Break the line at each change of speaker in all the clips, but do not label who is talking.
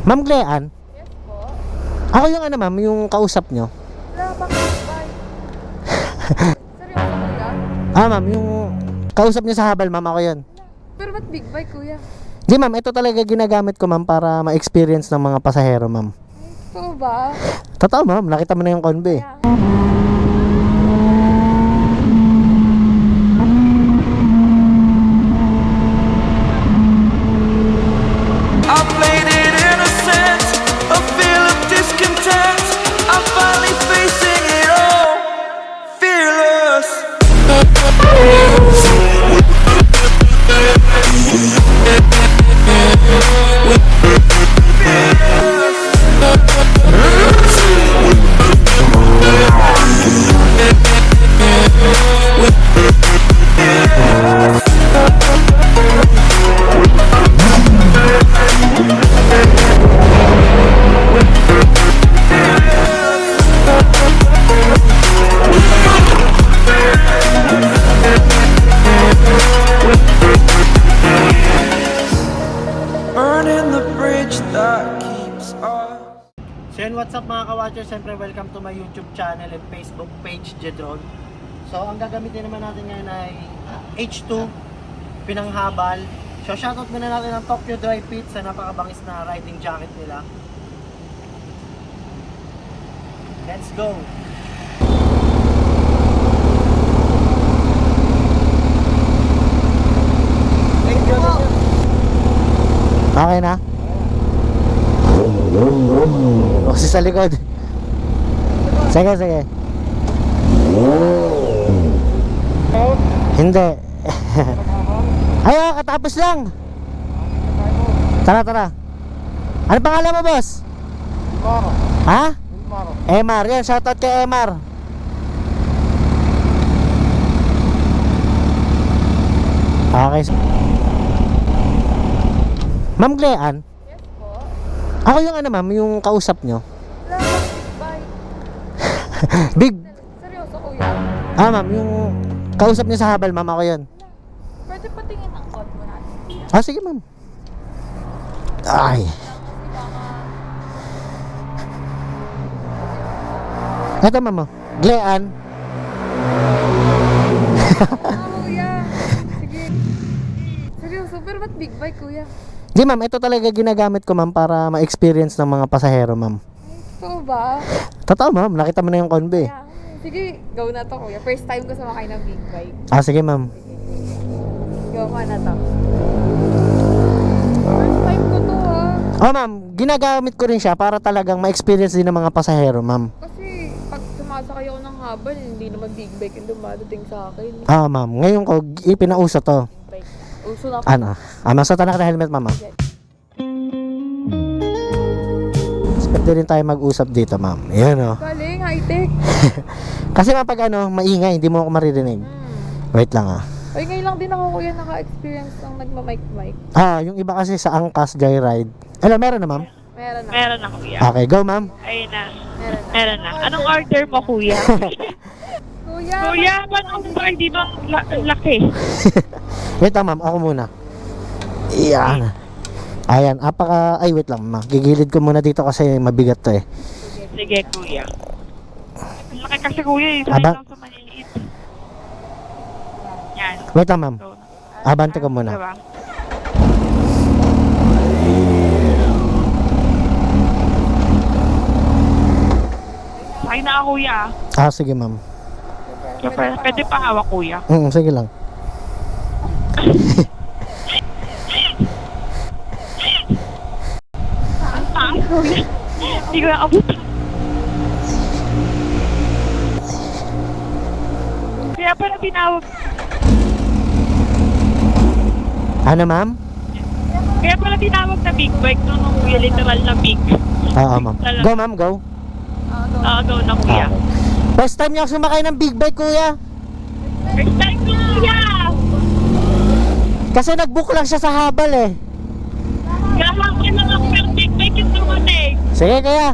Ma'am Glean?
Yes po.
Ako yung ano ma'am, yung kausap nyo.
Wala bang bye? Seryoso kuya?
Ma'am, yung kausap nyo sa habal ma'am, ako yun.
Pero ba't big bike kuya?
Di ma'am, ito talaga ginagamit ko ma'am para ma-experience ng mga pasahero ma'am.
Totoo ba?
Totoo ma'am, nakita mo na yung convoy.
Yeah.
I played it innocent, a feel of discontent. I'm finally facing it all, fearless. Burning the bridge that keeps us.
So yun, what's up mga ka-watchers? Siyempre welcome to my YouTube channel and Facebook page, Jedron. So ang gagamitin naman natin ngayon ay H2 pinanghabal. So shoutout muna natin ang Tokyo Dry Fit sa napakabangis na riding jacket nila. Let's go! Okay na? O si sa likod. Sige, sige. Hindi. Ay, katapos lang. Tara, tara. Ano pangalan mo, boss? Ha? Emar. Yan, shoutout kay Emar. Okay. Ma'am Glean?
Yes po.
Ako yung ano ma'am, yung kausap nyo.
Wala bang
Big.
big bike? Seryoso kuya?
Ma'am, yung kausap nyo sa habal ma'am, ako yun.
Pwede patingin ang code mo natin.
Sige ma'am. Ay. Ito ma'am, oh. Glean.
Kuya. Sige. Seryoso, pero ba't big bike kuya?
Di ma'am, ito talaga ginagamit ko ma'am para ma-experience ng mga pasahero ma'am.
Totoo ba?
Totoo ma'am, nakita mo na yung convoy.
Yeah. Sige, go na to kuya. First time ko sumakay ng big bike.
Sige ma'am.
Go ko na to. First time ko to
Ma'am, ginagamit ko rin siya para talagang ma-experience din ng mga pasahero ma'am.
Kasi pag sumasakay ako ng habal, hindi naman big bike yung dumadating sa akin.
Ma'am, ngayon ko ipinauso to.
Big bike. Uso na
Ano? Masuot na ka na helmet ma'am. Pwede rin tayo mag-usap dito ma'am. Yan o.
Galing, high-tech.
Kasi mapag ano, maingay, hindi mo ako maririnig. Wait lang
Ay, ngayon lang din ako kuya naka-experience ng nagma-mic-mic.
Yung iba kasi sa Angkas Joyride. Meron na ma'am?
Meron na.
Meron na, kuya.
Okay, go ma'am.
Ayun na.
Meron na.
Meron na. Anong order mo, kuya?
Kuya!
Kuya, ba't ang bar dito ang laki?
Wait lang ma'am, ako muna. Iyan. Ayan, ay wait lang ma'am. Gigilid ko muna dito kasi mabigat to eh.
Sige, kuya. Ang laki kasi, kuya, eh. Sanay
Aba?
lang sa maliliit. Yan.
Wait lang ma'am.
So,
Abante ko muna.
diba? Sakay na ako, kuya.
Sige ma'am.
Pwede pa hawak, kuya.
Sige lang.
Ang taas, kuya. Hindi ko nakabot. Kaya pala tinawag.
Ano ma'am?
Kaya pala tinawag na big bike no, nung kuya, literal na big.
Oo ma'am. Go ma'am, go.
Go na, kuya.
First time niya ako sumakay ng big bike kuya.
First time ko, kuya!
Kasi nag-book lang siya sa habal eh.
Gahapon lang ako pero big bike yung dumating.
Sige kaya.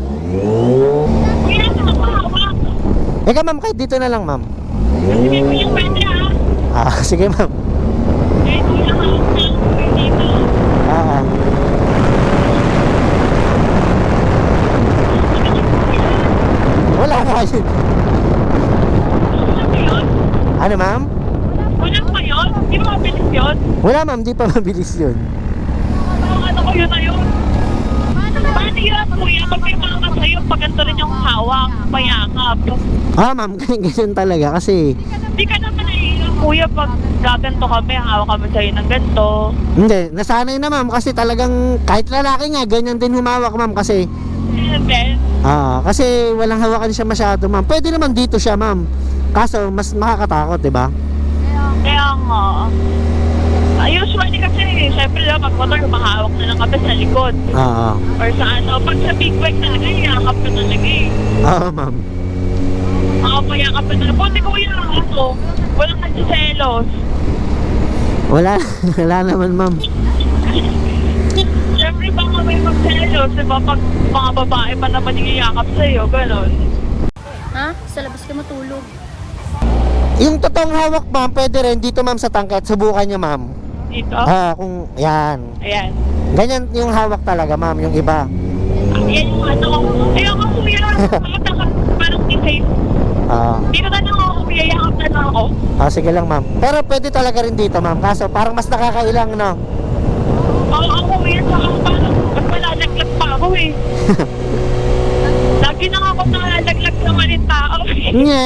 Kuya, nakakahawak.
Ika ma'am, kahit dito na lang ma'am.
Sige, kuya, pwede
Sige ma'am.
Eh, kuya, hawak na ako dito.
Ano, ma'am?
Wala pa yun? Di ba mabilis yun?
Wala, ma'am. Di pa mabilis yun.
Ano ko yun na yun? Paano yun, kuya? Pag may mga sa'yo, pag ganito rin yung hawak, mayakap.
Ma'am. Ganyan talaga kasi...
Di ka naman naiilang, kuya, pag gaganto kami, hawak kami sa'yo ng ganito.
Hindi. Nasanay na, ma'am. Kasi talagang kahit lalaki nga, ganyan din humawak, ma'am. Kasi...
And then,
kasi walang hawakan siya masyado, ma'am. Pwede naman dito siya, ma'am. Kaso, mas makakatakot, di ba?
kaya nga. Usually kasi, syempre lang, pag motor, mahawak na lang kami sa likod. Or sa ano, pag sa big bike talaga, yakap ka talaga eh.
Ma'am.
Mayakap ka talaga. Buti kuya, ano, walang nagsiselos.
Wala naman, ma'am.
Siyempre baka may magselos, diba? Pag mga babae pa naman yung iyakap sa'yo, gano'n.
Ha? Sa labas ka matulog.
Yung totoong hawak, ma'am, pwede rin dito, ma'am, sa tangkad. Subukan nyo, ma'am.
Dito?
Kung, yan.
Ayan.
Ganyan yung hawak talaga, ma'am, yung iba.
Ayan yung ano. Ayun ko kuya, parang i-safe. Dito na lang ako, kuya, yakap na lang ako.
Sige lang, ma'am. Pero pwede talaga rin dito, ma'am. Kaso parang mas nakakailang, no?
Oo, ako kuya, saka parang mas malalaglag pa ako eh. Lagi na ako nalalaglag sa maling tao eh.
Nye.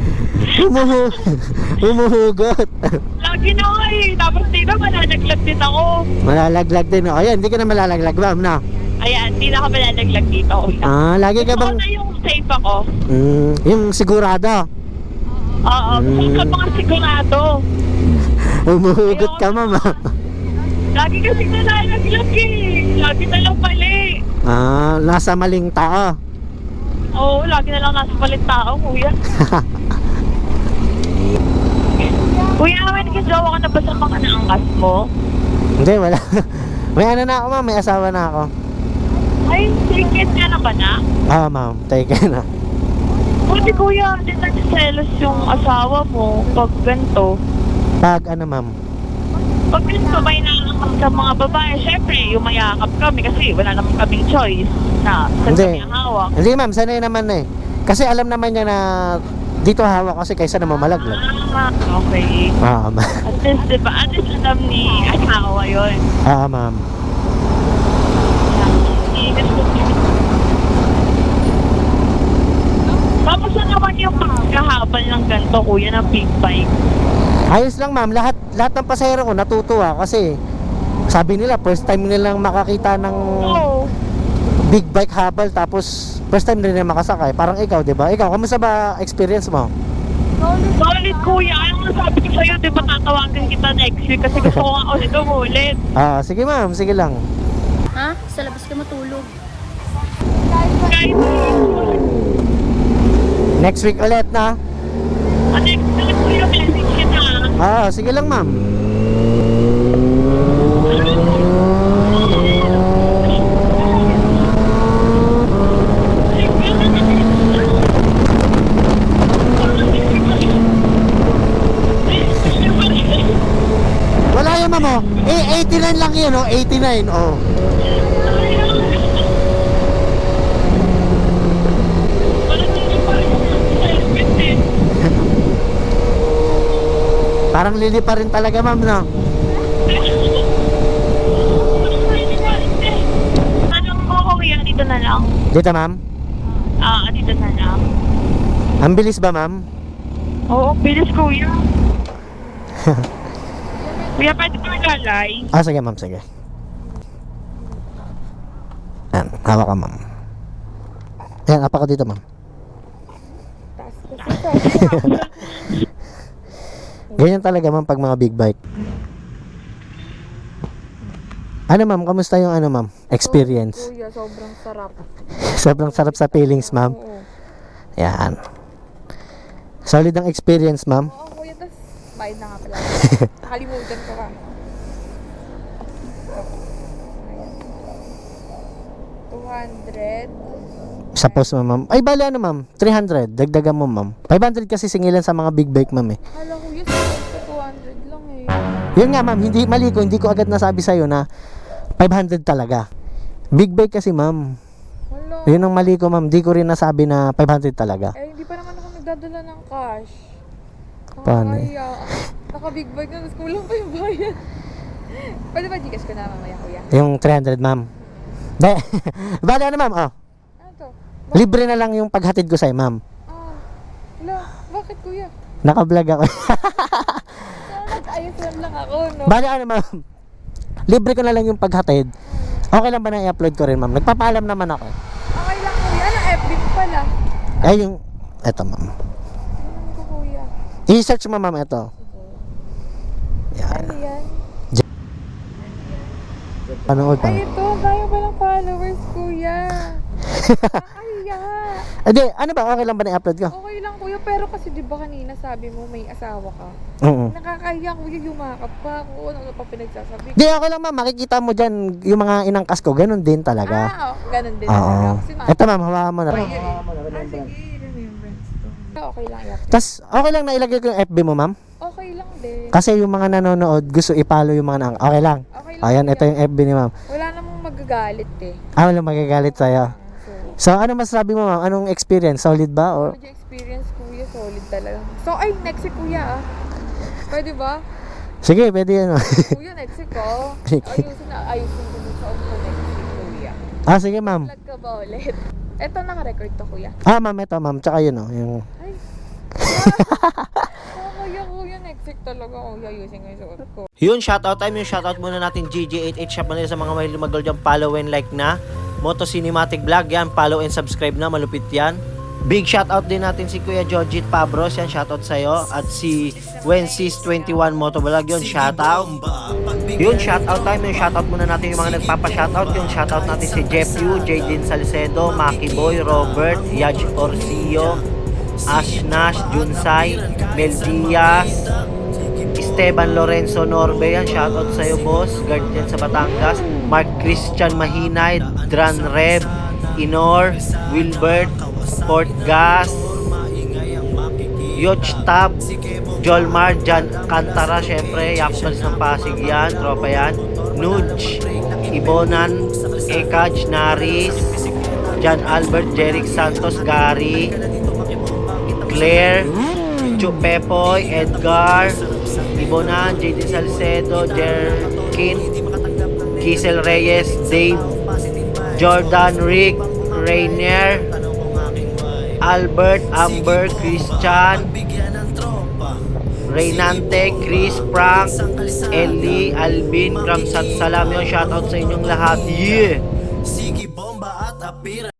Humuhugot.
Lagi na ako eh. Tapos dito malalaglag din ako.
Malalaglag din, no? Ayan, hindi ka na malalaglag, ma'am, no?
Ayan, di na ako malalaglag dito, kuya.
Lagi ka
Gusto ko
bang...
na yung safe ako.
yung sigurado.
Oo, gusto ko mga sigurado.
Humuhugot ka, ma'am,
Lagi kasi nalalaglag eh. Lagi na lang mali.
Nasa maling tao.
Oo, lagi na lang nasa palit tao, kuya. Kuya, may nagkasawa ka na ba sa mga naangkas mo?
Hindi, wala. May ano na ako, ma'am. May asawa na ako.
Ay, ticket ka na ba na?
Ma'am. Take na.
Buti kuya, di nagsiselos yung asawa mo pag ganito.
Pag ano, ma'am?
Pag ganito, may naangkas sa mga babae. Siyempre, yung mayakap kami kasi wala naman kaming choice na saan
Hindi.
kami ang hawak.
Hindi, ma'am. Sanay naman na eh. Kasi alam naman niya na dito hawak kasi kaysa naman malaglag.
Okay.
Ma'am.
At least, diba? At least alam ni asawa yun.
Ma'am.
Tapos na naman yung pagkahabal ng ganito, kuya, ng big bike.
Ayos lang, ma'am. Lahat ng pasahero ko natutuwa kasi sabi nila first time nilang makakita ng
Oo.
big bike habal tapos first time din nila makasakay. Parang ikaw, 'di ba? Ikaw, kamusta ba experience mo?
Solid, kuya. Ano nga sabi ko sa'yo, di ba tatawagan kita next week kasi gusto ko nga ulit umulit.
Sige, ma'am. Sige lang.
Ha? Sa labas ka matulog.
Kahit
Next week ulit na.
next week, kuya, message kita.
Sige lang, ma'am. Wala yun, ma'am, oh. 89 lang yun, oh. 89, oh. Parang lili pa rin talaga, ma'am, no?
Anong mo, kuya, dito na lang.
Dito, ma'am?
Dito na lang.
Ang bilis ba, ma'am?
Oo, bilis, kuya. Kuya, pwede pa naglalay?
Sige, ma'am, sige. Yan, hawak ka, ma'am. Yan, apa ka dito, ma'am. Ganyan talaga, ma'am, pag mga big bike. Ano, ma'am? Kamusta yung ano, ma'am? Experience?
Kuya, sobrang sarap.
Sobrang sarap sa feelings, ma'am.
Oo.
Yan. Solid ang experience, ma'am.
Oo, kuya, tas bayad na nga pala. Nakalimutan ko ka. Ayan. 200.
Sa post, ma'am. Ay, bali ano, ma'am? 300. Dagdagan mo, ma'am. 500 kasi singilan sa mga big bike, ma'am, eh.
Hala, kuya, sa 200 lang eh.
Yun nga, ma'am. Hindi ko agad nasabi sa'yo na 500 talaga. Big bike kasi, ma'am.
Hala.
Yun ang mali ko, ma'am. Di ko rin nasabi na 500 talaga.
Eh, hindi pa naman ako nagdadala ng cash.
Paano?
Kaya, naka-big bike na, tapos kulang pa yung bayan. Pwede ba Gcash ko na mamaya, kuya?
Yung 300, ma'am. De, bali ano, ma'am? Oh,
Ano to?
libre na lang yung paghatid ko sa'yo, ma'am.
Wala, bakit kuya?
Naka-vlog ako.
Nag-ayos lang ako, no?
Bali ano, ma'am? Libre ko na lang yung paghatid. Okay lang ba na i-upload ko rin, ma'am? Nagpapaalam naman ako.
Okay lang kuya, ano FB mo pala?
Ay, yung... Eto, ma'am.
Ano ko kuya?
I-search mo, ma'am, ito. Yan.
Ano yan?
Panood pa.
Ay, ito, kaya palang followers, kuya. Kaya.
Edi, ano ba? Okay lang ba na i-upload ko?
Okay lang kuya, pero kasi di ba kanina sabi mo may asawa ka?
Oo.
Nakakahiya kuya, yumakap pa ako. Ano pa pinagsasabi?
Di, okay lang, ma'am. Makikita mo dyan yung mga inangkas ko. Ganun din talaga.
Ganun din
Oo.
talaga. Kasi
Ito, ma'am. Hawakan mo na.
sige, remembrance to. Okay lang yan.
Tapos, okay lang na ilagay ko yung FB mo, ma'am?
Okay lang din.
Kasi yung mga nanonood, gusto i-follow yung mga nang... Okay lang.
Okay lang.
Ayan,
kuya.
ito yung FB ni ma'am.
Wala namang magagalit eh.
Walang magagalit sa'yo.
So,
So, ano masasabi mo, ma'am? Anong experience? Solid ba? Or...
solid yung experience kuya, solid talaga. So, ay, next week kuya Pwede ba?
Sige, pwede yan.
Kuya, next week ko. Ayusin ko dun sa umpo next week kuya.
Sige, ma'am.
Vlog ka ba ulit? Eto, naka-record to kuya.
Ma'am, ito, ma'am. Tsaka yun, yung...
Ay. Kuya, next week talaga kuya. Ayusin ko yung suot ko.
Yun, shoutout time. Yung shoutout muna natin GG88 Shop Manila sa mga mahilig mag-gold dyan. Follow and like na. Moto Cinematic Vlog yan. Follow and subscribe na. Malupit yan. Big shoutout din natin si Kuya Jojit Pabros. Yan, shoutout sa'yo. At si Wensis21 Motovlog. Yun, shoutout. Yun, shoutout time. Yung shoutout muna natin yung mga nagpapa-shoutout. Yung shoutout natin si Jeff Yu, Jaden Salcedo, Maki Boy, Robert, Yaj Orsillo, Ash Nash, Junsay, Mel Diaz, Esteban Lorenzo Norbe, yan, shoutout sa'yo boss, guard dyan sa Batangas, Mark Christian Mahinay, Dran Reb, Inor, Wilbert, Port Gas, Yoch Tab, Jolmar, Jan Cantara, syempre, Yakpals ng Pasig yan, tropa yan, Nuge, Ibonan, Ekaj, Naris, Jan Albert, Jeric Santos, Gary, Claire, Chupepoy, Edgar, Ibonan, JD Salcedo, Jerkin, Kisel Reyes, Dave, Jordan, Rick, Rainier, Albert, Amber, Christian, Reynante, Chris, Frank, Ellie, Alvin, Ramsat Salam. Yun, shoutout sa inyong lahat. Yeah!
Sige bomba at apira